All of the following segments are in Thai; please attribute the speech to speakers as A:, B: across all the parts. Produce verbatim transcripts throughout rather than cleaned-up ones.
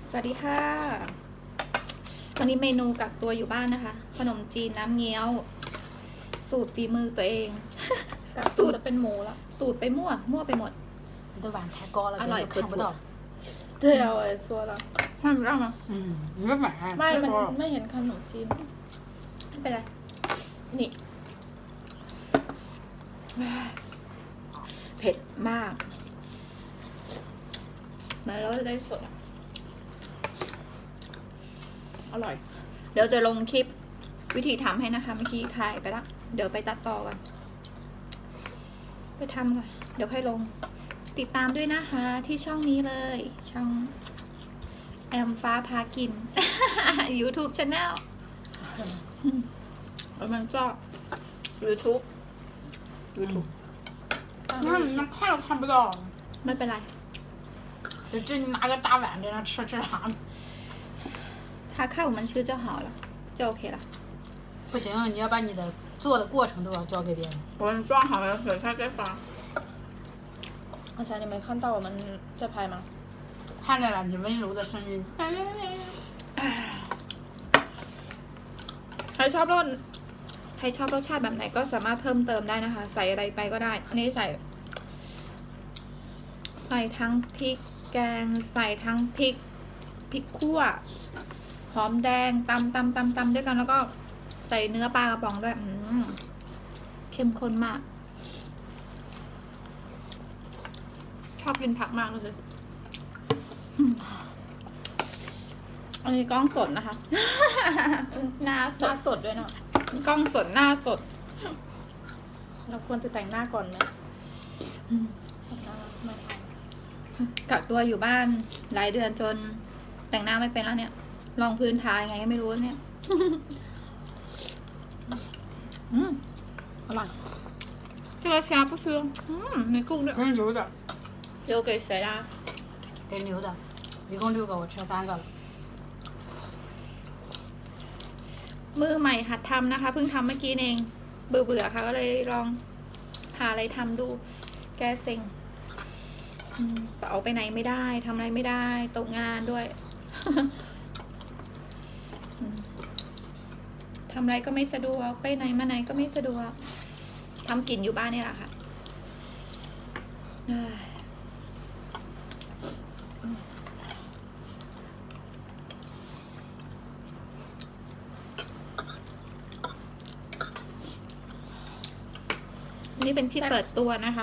A: สวัสดีค่ะวันนี้เมนูกักตัวอยู่บ้านนะคะขนมจีนน้ำเงี้ยว สูตรฝีมือตัวเอง
B: สูตรจะเป็นหมูแล้ว
A: สูตรไปมั่วมั่วไปหมด
C: 你都碗太高了，
A: อร่อย
C: 别人都看不到。
B: 对啊我也说了
A: ห้ามร่างอ่ะ
C: 嗯，你这碗
B: ไม่มันไม่เห็นขนมจีน
A: ไม่เป็นไร
B: นี่
A: เผ็ดมากมาแล้วจะได้สดอ่ะ
B: อร่อย
A: เดี๋ยวจะลงคลิปวิธีทำให้นะคะเมื่อกี้ถ่ายไปละเดี๋ยวไปตัดต่อก่อนไปทำก่อนเดี๋ยวค่อยลงติดตามด้วยนะคะที่ช่องนี้เลยช่องแอมฟ้าพากิน YouTube Channel แล้วมันก็ YouTube YouTube
C: 那那看都看不到。
A: ไม่เป็นไร
C: 就这你拿个大碗在那吃吃啥？
A: ถ้าข้าวมันชื่อเจ้าหอแล้วจะโอเคละ
C: 不行，你要把你的做的过程都要交给别人。
A: 我们装好了水菜再发
B: 而且你没看到我们在拍吗
C: 看见了你温柔的声音。
A: ใครชอบรสใครชอบรสชาติแบบไหนก็สามารถเพิ่มเติมได้นะคะ ใส่อะไรไปก็ได้ อันนี้ใส่ ใส่ทั้งพริกแกง ใส่ทั้งพริกพริกขั่วหอมแดงตำตำตำตำด้วยกันแล้วก็ใส่เนื้อปลากระป๋องด้วยอืมเข้มข้นมาก ชอบกินผักมากเลยอืมอันนี้กล้องสดนะคะ หน้าส
B: หน้า
A: ด
B: สดด้วยเนาะ
A: กล้องสดหน้าสด
B: เราควรจะแต่งหน้าก่อนไหม
A: อืม
B: แต่งหน้าไม่ทัน
A: กักตัวอยู่บ้านหลายเดือนจนแต่งหน้าไม่เป็นแล้วเนี่ย ลองพื้นทายังไงก็ไม่รู้เนี่ย อืม
B: อร่อย
A: 这个虾不吃嗯没กุ้งด้วย
C: 给你留的，
A: 留给谁啦
C: 给你留的，一共六个，我吃三个了。
A: มือใหม่หัดทำนะคะเพิ่งทำเมื่อกี้เองเบื่อเบื่อๆค่ะ ก็เลยลองหาอะไรทำดู แก้เซ็งอืมออกไปไหนไม่ได้ทำอะไรไม่ได้ตกงานด้วย อืมทำอะไรก็ไม่สะดวกไปไหนมาไหนก็ไม่สะดวกทำกินอยู่บ้านนี่แหละค่ะเอ้ยนี่เป็นที่เปิดตัวนะคะ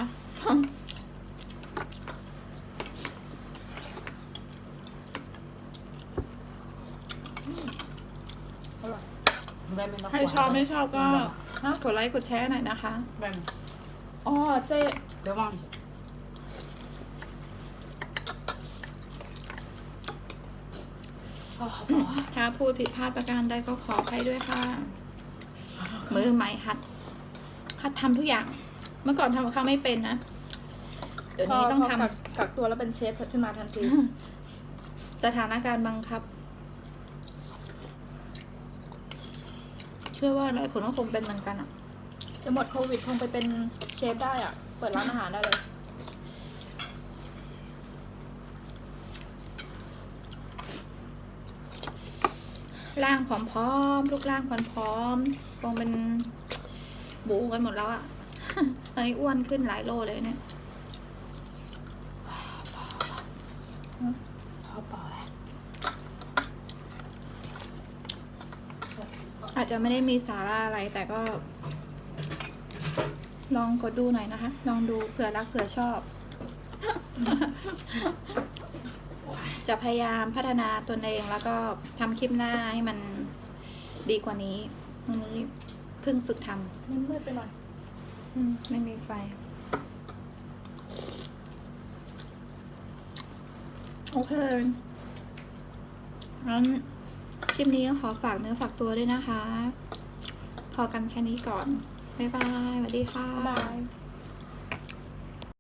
B: อร่อย
C: 外面的
A: ใครชอบไม่ชอบก็กดไลค์กดแชร์หน่อยนะคะ
C: 外面
B: อ๋อเจ๊
C: 别忘记。
B: อ๋อเขาบอกว่า
A: ถ้าพูดผิดพลาดประการใดก็ขออภัยด้วยค่ะ มือใหม่หัด หัดทำทุกอย่าง เมื่อก่อนทำกับข้าวไม่เป็นนะ เดี๋ยวนี้ต้องทำ
B: พกักกักตัวแล้วเป็นเชฟขึ้นมาทันที
A: สถานการณ์บังคับ เชื่อว่าหลายคนก็คงเป็นเหมือนกันอ่ะ
B: เดี๋ยวหมดโควิดคงไปเป็นเชฟได้อ่ะ เปิดร้านอาหารได้เลย
A: ร่างผอมๆลูกร่างผอมๆคงเป็นบูกันหมดแล้วอ่ะ ตอนนี้อ้วนขึ้นหลายโลเลยเนี่ย
C: 好饱哎。
A: อาจจะไม่ได้มีสาระอะไรแต่ก็ ลองกดดูหน่อยนะคะ ลองดูเผื่อรักเผื่อชอบ จะพยายามพัฒนาตนเองแล้วก็ทำคลิปหน้าให้มันดีกว่านี้วันนี้เพิ่งฝึกท
B: นี่มืดไปหน่อย
A: ำอืมไม่มีไฟ โอเคงั้นคลิปนี้ก็ขอฝากเนื้อฝากตัวด้วยนะคะ พอกันแค่นี้ก่อน บ๊ายบาย สวัสดีค่ะ
B: บ๊ายบาย